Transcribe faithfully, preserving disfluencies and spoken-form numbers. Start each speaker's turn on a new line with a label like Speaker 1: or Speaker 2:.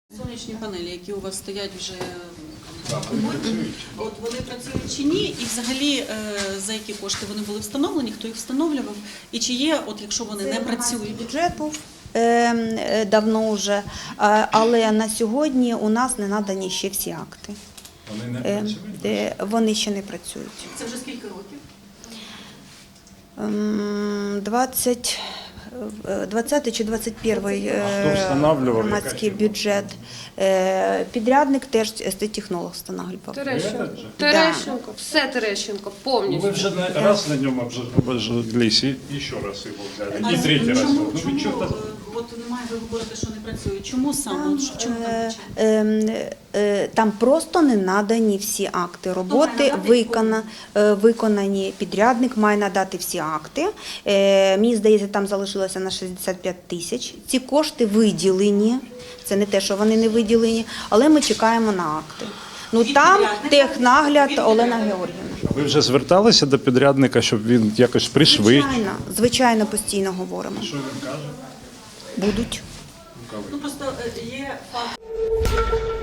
Speaker 1: Сонячні панелі, які у вас стоять вже от вони працюють чи ні, і взагалі за які кошти вони були встановлені, хто їх встановлював, і чи є, от якщо вони не працюють?
Speaker 2: Бюджет був е, давно вже, але на сьогодні у нас не надані ще всі акти.
Speaker 3: Вони не
Speaker 2: Е,
Speaker 3: працюють?
Speaker 2: е, вони ще не працюють.
Speaker 1: Це вже скільки років?
Speaker 2: Ем, двадцять двадцятий чи двадцять перший
Speaker 3: хто встановлював?
Speaker 2: громадський бюджет. Е, Підрядник теж естетехнолог встановлював.
Speaker 4: Терещенко.
Speaker 2: Да.
Speaker 4: Терещенко. Все Терещенко,
Speaker 3: Ну,
Speaker 4: повністю.
Speaker 3: ви вже не раз на ньому обожглись, і, і ще раз його взяли, і третій раз.
Speaker 1: Чому,
Speaker 3: Ну, ви
Speaker 1: чому
Speaker 3: чого
Speaker 1: е,
Speaker 3: так?
Speaker 1: от немає, ви говорите, що не працюють? Чому саме? От в чому там
Speaker 2: Е,
Speaker 1: причина?
Speaker 2: е, е, Там просто не надані всі акти роботи,
Speaker 1: надати?
Speaker 2: викона, е, виконані. Підрядник має надати всі акти. Е, Мені здається, там залишилося на шістдесят п'ять тисяч. Ці кошти виділені, це не те, що вони не виділені, але ми чекаємо на акти. Ну
Speaker 1: Від
Speaker 2: там
Speaker 1: підрядника?
Speaker 2: технагляд
Speaker 1: Від
Speaker 2: Олена
Speaker 1: підрядника?
Speaker 2: Георгіївна.
Speaker 3: Ви вже зверталися до підрядника, щоб він якось пришвидшив?
Speaker 2: Звичайно, звичайно, постійно говоримо.
Speaker 3: Що він каже?
Speaker 2: Будуть.
Speaker 1: Ну просто е, є факт.